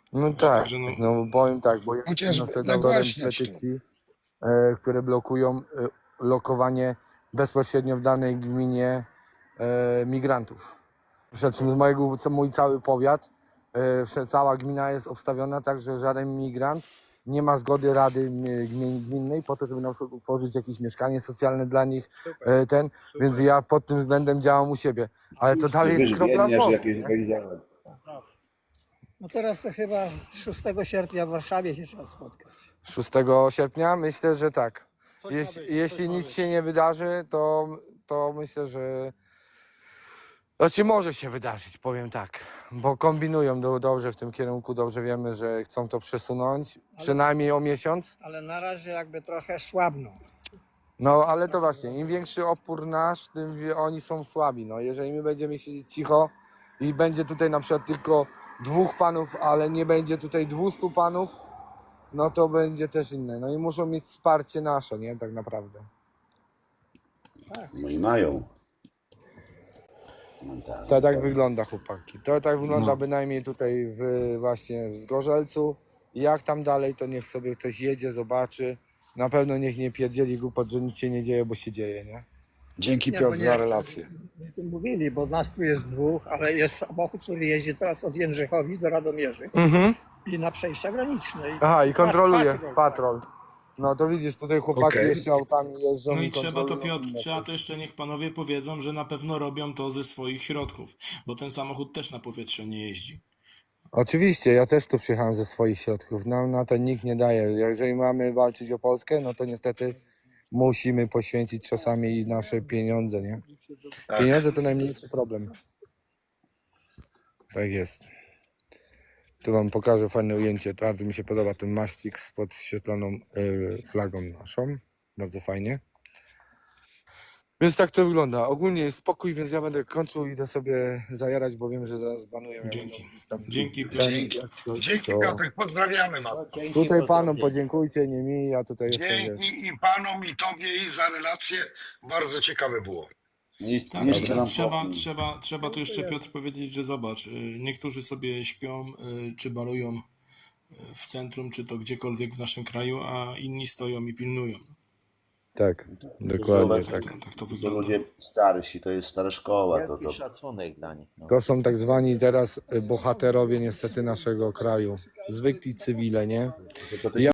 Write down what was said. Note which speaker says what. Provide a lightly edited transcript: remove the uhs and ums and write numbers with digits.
Speaker 1: No tak,
Speaker 2: Także no,
Speaker 1: no powiem tak, bo jest
Speaker 3: Chociaż
Speaker 1: autorem
Speaker 3: nagłaśniać to.
Speaker 1: petycji, które blokują lokowanie bezpośrednio w danej gminie migrantów. Przed czym mój cały powiat, cała gmina jest obstawiona tak, że żaden migrant nie ma zgody Rady Gminnej po to, żeby na przykład utworzyć jakieś mieszkanie socjalne dla nich, więc ja pod tym względem działam u siebie. Ale to dalej jest kropla w morzu,
Speaker 4: jakieś
Speaker 1: nie?
Speaker 4: wejdziemy.
Speaker 5: No teraz to chyba 6 sierpnia w Warszawie się trzeba spotkać.
Speaker 1: 6 sierpnia myślę, że tak. Jeśli nic się nie wydarzy, to myślę, że znaczy może się wydarzyć, powiem tak, bo kombinują dobrze w tym kierunku, dobrze wiemy, że chcą to przesunąć, przynajmniej o miesiąc.
Speaker 5: Ale na razie jakby trochę słabną.
Speaker 1: No ale to właśnie, im większy opór nasz, tym oni są słabi. No, jeżeli my będziemy siedzieć cicho i będzie tutaj na przykład tylko 2 panów, ale nie będzie tutaj 200 panów, no to będzie też inne. No i muszą mieć wsparcie nasze, nie? Tak naprawdę.
Speaker 4: No i mają.
Speaker 1: To tak wygląda, chłopaki. To tak wygląda
Speaker 3: No.
Speaker 1: bynajmniej tutaj właśnie w Zgorzelcu. Jak tam dalej, to niech sobie ktoś jedzie, zobaczy. Na pewno niech nie pierdzieli głupot, że nic się nie dzieje, bo się dzieje, nie?
Speaker 3: Dzięki
Speaker 5: Nie,
Speaker 3: Piotr
Speaker 5: bo nie-
Speaker 3: za relację.
Speaker 5: Nie tym mówili, bo nas tu jest 2, ale jest samochód, który jeździ teraz od Jędrzychowic do Radomierzy i na przejścia graniczne.
Speaker 1: Aha, i kontroluje
Speaker 5: Patrol.
Speaker 1: patrol. No to widzisz, tutaj chłopaki
Speaker 3: Okej.
Speaker 1: jeszcze autami jeżdżą
Speaker 2: no i
Speaker 1: i
Speaker 2: trzeba to,
Speaker 1: kontrolują
Speaker 2: Piotr,
Speaker 1: inne.
Speaker 2: trzeba to jeszcze niech panowie powiedzą, że na pewno robią to ze swoich środków, bo ten samochód też na powietrze nie jeździ.
Speaker 1: Oczywiście, ja też tu przyjechałem ze swoich środków. Nam na to nikt nie daje. Jeżeli mamy walczyć o Polskę, no to niestety musimy poświęcić czasami nasze pieniądze, nie?
Speaker 3: Tak.
Speaker 1: Pieniądze to najmniejszy problem. Tak jest. Tu wam pokażę fajne ujęcie. Bardzo mi się podoba ten maścik z podświetloną flagą naszą. Bardzo fajnie. Więc tak to wygląda. Ogólnie jest spokój, więc ja będę kończył i idę sobie zajarać, bo wiem, że zaraz banują. Ja
Speaker 2: Dzięki.
Speaker 1: będę tam-
Speaker 2: Dzięki, Piotr.
Speaker 3: Dzięki
Speaker 1: To-
Speaker 3: Piotr, pozdrawiamy was.
Speaker 1: Tutaj panom podziękujcie, nie mi, ja tutaj jestem, wiesz.
Speaker 3: Dzięki i panom, i tobie, i za relację. Bardzo ciekawe było.
Speaker 2: Tak,
Speaker 4: Niskie
Speaker 2: ale
Speaker 4: nam
Speaker 2: trzeba tu jeszcze, Piotr, powiedzieć, że zobacz, niektórzy sobie śpią czy balują w centrum, czy to gdziekolwiek w naszym kraju, a inni stoją i pilnują.
Speaker 1: Tak, dokładnie
Speaker 4: Zobacz,
Speaker 1: tak.
Speaker 2: Tak to
Speaker 4: To
Speaker 2: wygląda.
Speaker 4: ludzie starsi, to jest stara szkoła. To,
Speaker 6: Wielki szacunek dla nich. No.
Speaker 1: To są tak zwani teraz bohaterowie niestety naszego kraju. Zwykli cywile, nie?
Speaker 4: to,